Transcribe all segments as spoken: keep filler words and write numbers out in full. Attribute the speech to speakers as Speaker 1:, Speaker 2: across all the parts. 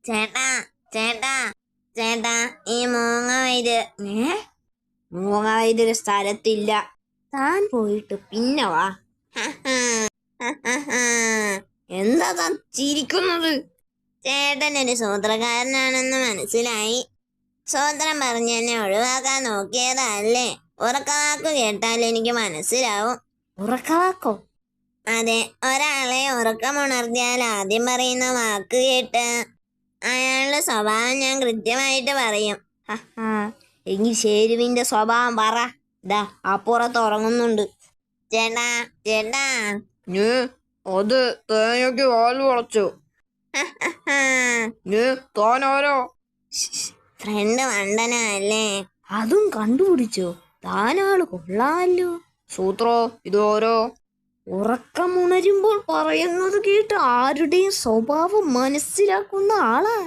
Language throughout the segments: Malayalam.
Speaker 1: ചേട്ടാ ചേട്ടാ ചേട്ടാ ഈ മൂങ്ങ വൈദ്യ ഏ മൂങ്ങ വൈദ്യൊരു സ്ഥലത്തില്ല. താൻ പോയിട്ട് പിന്നെ വാ. എന്താ താൻ ചിരിക്കുന്നത്? ചേട്ടനൊരു സൂത്രക്കാരനാണെന്ന് മനസ്സിലായി. സൂത്രം പറഞ്ഞ് എന്നെ ഒഴിവാക്കാൻ നോക്കിയതല്ലേ? ഉറക്കവാക്കു കേട്ടാൽ എനിക്ക് മനസ്സിലാവും. ഉറക്കവാക്കോ? അതെ, ഒരാളെ ഉറക്കമുണർത്തിയാൽ ആദ്യം പറയുന്ന വാക്ക് കേട്ട് അയാളുടെ സ്വഭാവം ഞാൻ കൃത്യമായിട്ട് പറയും. എങ്കിൽ ഷേരുവിന്റെ സ്വഭാവം പറ. ഇതാ അപ്പുറത്ത് ഉറങ്ങുന്നുണ്ട്. ചേട്ടാ ചേട്ടാ
Speaker 2: അത് തേങ്ങയ്ക്ക് വാൽ വളച്ചു. താനാരോ?
Speaker 1: ഫ്രണ്ട് വണ്ടനല്ലേ?
Speaker 2: അതും കണ്ടുപിടിച്ചോ? താനാള് കൊള്ളാമല്ലോ. സൂത്രോ ഇതോരോ ഉറക്കമുണരുമ്പോൾ പറയുന്നത് കേട്ട് ആരുടെയും സ്വഭാവം മനസ്സിലാക്കുന്ന ആളാ.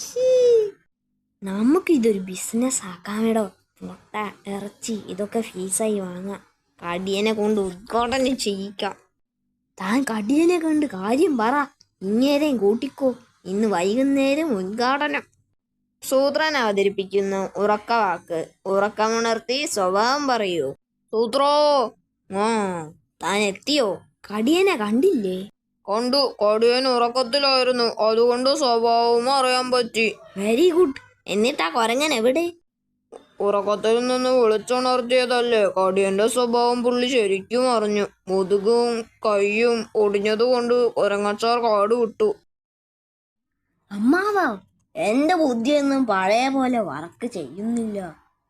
Speaker 2: നമുക്കിതൊരു ബിസിനസ് ആക്കാമെടോ. മുട്ട, ഇറച്ചി ഇതൊക്കെ ഫീസായി വാങ്ങാം. കടിയനെ കൊണ്ട് ഉദ്ഘാടനം ചെയ്യിക്കാം. താൻ കടിയനെ കണ്ട് കാര്യം പറ. ഇങ്ങേരെയും കൂട്ടിക്കോ. ഇന്ന് വൈകുന്നേരം ഉദ്ഘാടനം. സൂത്രൻ അവതരിപ്പിക്കുന്നു ഉറക്കവാക്ക്. ഉറക്കമുണർത്തി സ്വഭാവം പറയൂ. സൂത്രോ. ആ താൻ എത്തിയോ? കടിയനെ കണ്ടില്ലേ? കണ്ടു. കടിയൻ ഉറക്കത്തിലായിരുന്നു, അതുകൊണ്ട് സ്വഭാവവും അറിയാൻ പറ്റി. Very good. എന്നിട്ടാ കൊരങ്ങൻ എവിടെ? ഉറക്കത്തിൽ നിന്ന് വിളിച്ചുണർത്തിയതല്ലേ. കടിയന്റെ സ്വഭാവം പുള്ളി ശരിക്കും അറിഞ്ഞു. മുതുകും കൈയും ഒടിഞ്ഞതുകൊണ്ട് കൊരങ്ങച്ചാർ കാട് വിട്ടു.
Speaker 1: അമ്മാവാ, എന്റെ ബുദ്ധിയൊന്നും പഴയ പോലെ വർക്ക് ചെയ്യുന്നില്ല.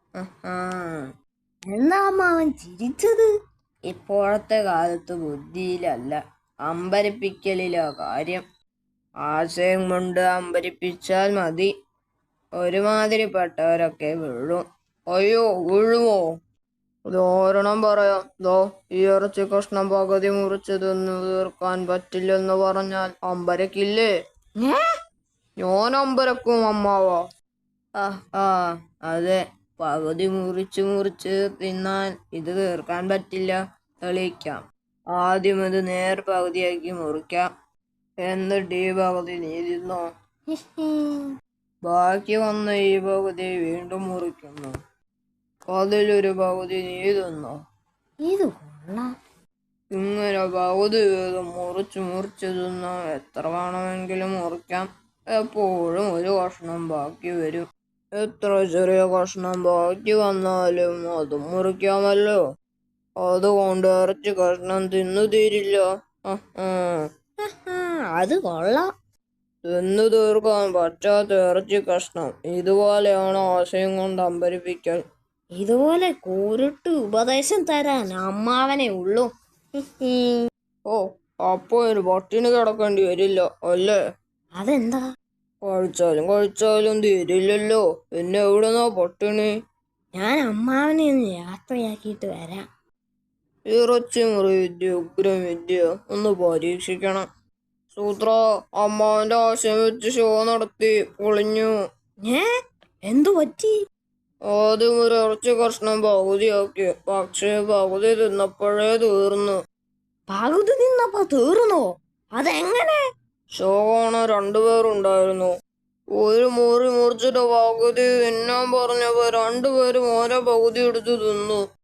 Speaker 2: എന്താ അമ്മാവൻ ചിരിച്ചത്? ഇപ്പോഴത്തെ കാലത്ത് ബുദ്ധിയിലല്ല, അമ്പരിപ്പിക്കലിലാ കാര്യം. ആശയം കൊണ്ട് അമ്പരിപ്പിച്ചാൽ മതി. ഒരുമാതിരിപ്പെട്ടവരൊക്കെ വീഴും. അയ്യോ, വീഴുമോ? ഉദാഹരണം പറയാം. ദോ ഈ ഇറച്ചി കഷ്ണം പകുതി മുറിച്ച് തിന്നു തീർക്കാൻ പറ്റില്ലെന്ന് പറഞ്ഞാൽ അമ്പരക്കില്ലേ? ഞാൻ അമ്പരക്കും അമ്മാവാ. ആ അതെ, പകുതി മുറിച്ച് മുറിച്ച് തിന്നാൽ ഇത് തീർക്കാൻ പറ്റില്ല. തെളിയിക്കാം. ആദ്യം ഇത് നേർ പകുതിയാക്കി മുറിക്കാം. എന്നിട്ട് ഈ പകുതി നീ തിന്നോ. ബാക്കി വന്ന ഈ പകുതി വീണ്ടും മുറിക്കുന്നു. അതിലൊരു പകുതി നീ തിന്നോ.
Speaker 1: ഇത് കൊള്ളാം.
Speaker 2: ഇങ്ങനെ പകുതി വീതം മുറിച്ച് മുറിച്ച് തിന്നാം. എത്ര വേണമെങ്കിലും മുറിക്കാം. എപ്പോഴും ഒരു കഷ്ണം ബാക്കി വരും. എത്ര ചെറിയ കഷ്ണം ബാക്കി വന്നാലും അതും മുറിക്കാമല്ലോ. അതുകൊണ്ട് ഇറച്ചി കഷ്ണം തിന്നു തീരില്ല.
Speaker 1: അത് കൊള്ളാം.
Speaker 2: തിന്നു തീർക്കാൻ പറ്റാത്ത ഇറച്ചി കഷ്ണം. ഇതുപോലെയാണ് ആശയം കൊണ്ട് അമ്പരിപ്പിക്കൽ.
Speaker 1: ഇതുപോലെ കൂരിട്ട് ഉപദേശം തരാൻ അമ്മാവനെ ഉള്ളൂ.
Speaker 2: ഓ, അപ്പൊ ഒരു പട്ടിണി കിടക്കേണ്ടി വരില്ല അല്ലേ?
Speaker 1: അതെന്താ?
Speaker 2: കഴിച്ചാലും കഴിച്ചാലും തീരില്ലല്ലോ. പിന്നെ എവിടുന്നാ പട്ടിണി?
Speaker 1: ഞാൻ അമ്മാവനെ ഒന്ന് യാത്രയാക്കിയിട്ട് വരാം.
Speaker 2: ഇറച്ചി മുറി വിദ്യ ഉഗ്രം വിദ്യ ഒന്ന് പരീക്ഷിക്കണം. സൂത്ര, അമ്മാവന്റെ ആശയം വെച്ച് ഷോ നടത്തി പൊളിഞ്ഞു.
Speaker 1: ഏ എന്തു പറ്റി?
Speaker 2: ആദ്യം ഒരു ഇറച്ചി കഷ്ണം പകുതിയാക്കി, പക്ഷേ പകുതി തിന്നപ്പോഴേ തീർന്നു.
Speaker 1: പകുതി നിന്നപ്പോ തീർന്നോ? അതെങ്ങനെ?
Speaker 2: ഷോ കാണാൻ രണ്ടുപേരുണ്ടായിരുന്നു. ഒരു മുറി മുറിച്ചിട്ട് പകുതി തിന്നാൻ പറഞ്ഞപ്പോ രണ്ടുപേരും ഓരോ പകുതി എടുത്ത് തിന്നു.